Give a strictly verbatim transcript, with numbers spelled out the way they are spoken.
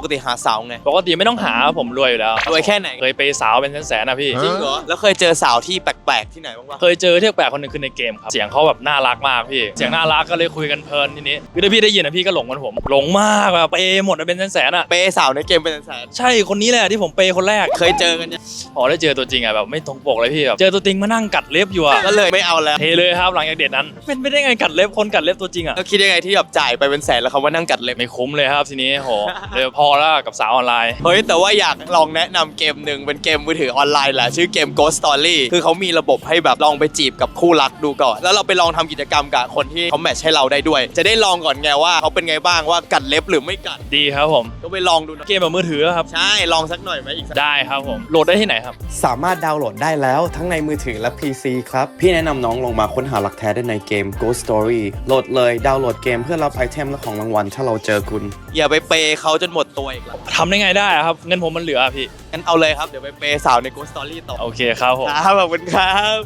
กติหาสาวไงปกติไม่ต้องหาผมรวยอยู่แล้วรวยแค่ไหนเคยไปสาวเป็นแสนๆนะพี่จริงเหรอแล้วเคยเจอสาวที่แปลกๆที่ไหนบ้างวะเคยเจอที่แปลกคนหนึ่งคือในเกมครับเสียงเขาแบบน่ารักมากพี่เสียงน่ารักก็เลยคุยกันเพลินทีนี้คือถ้าพี่ได้ยินนะพี่ก็หลงมันผมหลงมากแบบเปย์หมดเป็นแสนๆอ่ะเปย์สาวในเกมเป็นแสนใช่คนนี้แหละที่ผมเปย์คนแรกเคยเจอกันยังพอได้เจอตัวจริงอ่ะแบบไม่ตรงปกเลยพี่แบบเจอตัวจริงมานั่งกัดเล็บอยู่อ่ะก็เลยไม่เอาแล้วเทเลยครับหลังจากเดทนั้นเป็นไม่ได้ไงกัดเล็บคนกัดเล็บตัวจริงอ่ะแล้วคิดยังไงที่แบบจ่ายไปเป็นแสนแล้วเขามานั่งกัดเล็บไม่คุ้มเลยครับทีนี้โหเลยพอแล้วกับสาวออนไลน์เฮ้ยแต่ว่าอยากลองแนะนำเกมหนึ่งเป็นเกมมือถือออนไลน์แหละชื่อเกม Ghost Story คือเขามีระบบให้แบบลองไปจีบกับคู่รักดูก่อนแล้วเราไปลองทำกิจกรรมกับคนที่เขาแมทช์ให้เราได้ด้วยจะได้ลองก่อนไงว่าเขาเป็นไงบ้างว่ากัดเล็บหรือไม่กัดดีครับผมก็ไปลองดูนะเกมแบบมือถือครับใช่ลองสักหน่อยไหมอีกได้ครับผมโหลดได้ที่ไหนครับสามารถดาวน์โหลดได้แล้วทั้งในมือถือและ พี ซี ครับพี่แนะนำน้องลงมาค้นหาหลักแท้ได้ในเกม Ghost Story โหลดเลยดาวน์โหลดเกมเพื่อรับไอเทมและของรางวัลถ้าเราเจอคุณอย่าไปเปย์เขาจนหมดตัวอีกแล้วทำได้ไงได้ครับเงินผมมันเหลือพี่งั้นเอาเลยครับเดี๋ยวไปเปย์สาวใน Ghost Story ต่อโอเคครับผมครับขอบคุณครับ